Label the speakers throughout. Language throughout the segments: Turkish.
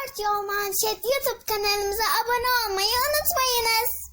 Speaker 1: Dört Yol Manşet YouTube kanalımıza abone olmayı unutmayınız.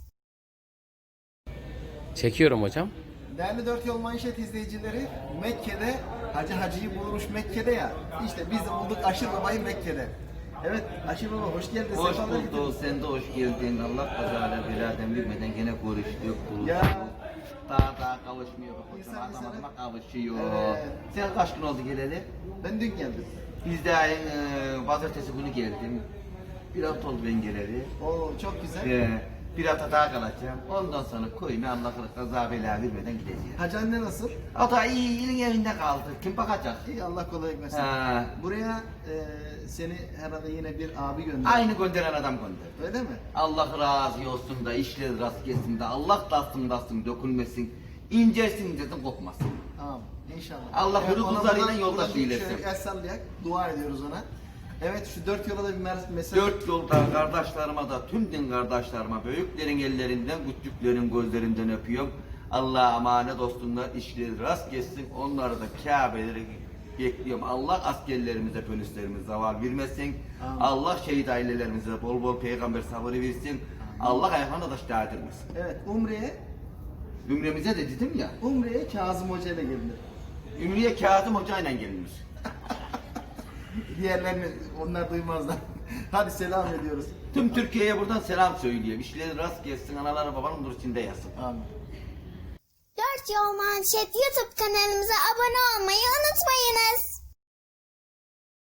Speaker 2: Çekiyorum hocam.
Speaker 3: Değerli Dört Yol Manşet izleyicileri, Mekke'de Hacı'yı bulmuş Mekke'de ya. İşte biz de bulduk Aşır Baba'yı Mekke'de. Evet Aşır Baba hoş geldin.
Speaker 4: Hoş
Speaker 3: Sefalar
Speaker 4: bulduk,
Speaker 3: getirdin.
Speaker 4: sen de hoş geldin. Allah kazara beladan bilmeden gene görüştük.
Speaker 3: Ya.
Speaker 4: Daha kavuşmuyor.
Speaker 3: İnsan
Speaker 4: Hocam
Speaker 3: insana-
Speaker 4: adamlarla kavuşuyor.
Speaker 3: Evet.
Speaker 4: Sen kaç gün oldu geleli?
Speaker 3: Ben dün geldim.
Speaker 4: Biz de pazartesi günü geldim. Bir hafta oldu ben geleli.
Speaker 3: Oo çok güzel.
Speaker 4: Bir hafta daha kalacağım. Ondan sonra koyma Allah kaza bela bilmeden gideceğim.
Speaker 3: Hacı anne nasıl?
Speaker 4: O da iyi, ilin evinde kaldı. Kim bakacak?
Speaker 3: İyi Allah kolaylık versin.
Speaker 4: Ha.
Speaker 3: Buraya seni herhalde yine bir abi gönderdi.
Speaker 4: Aynı gönderen adam gönder.
Speaker 3: Öyle mi?
Speaker 4: Allah razı olsun da işleri rast gelsin de Allah dastın dökülmesin. İncesin desin kopmasın.
Speaker 3: Tamam. İnşallah.
Speaker 4: Allah hürü
Speaker 3: ona
Speaker 4: kuzlarıyla
Speaker 3: buradan-
Speaker 4: yoldaş
Speaker 3: buradan bir
Speaker 4: eylesin.
Speaker 3: şöyle el sallayak, dua ediyoruz ona. Evet şu dört yola da bir mesaj.
Speaker 4: Dört yoldan kardeşlerime da tüm din kardeşlerime büyüklerin ellerinden küçüklerin gözlerinden öpüyorum. Allah'a emanet olsunlar, işleri rast gelsin. Onları da Kabe'leri bekliyorum. Allah askerlerimize, polislerimize zaval vermesin.
Speaker 3: Amin.
Speaker 4: Allah şehit ailelerimize bol bol peygamber sabrı versin. Allah ayaklarına taş değdirmesin.
Speaker 3: Evet
Speaker 4: Ümremize de dedim ya,
Speaker 3: Umre'ye Kazım Hoca ile gelinir.
Speaker 4: Ümriye Kazım Hoca ile gelinir.
Speaker 3: Diğerlerini onlar duymazlar. Hadi selam ediyoruz.
Speaker 4: Tüm Türkiye'ye buradan selam söyleyeyim. İşleri rast gelsin, anaları babanın nur içinde yatsın.
Speaker 3: Amin.
Speaker 1: Dört Yol Manşet YouTube kanalımıza abone olmayı unutmayınız.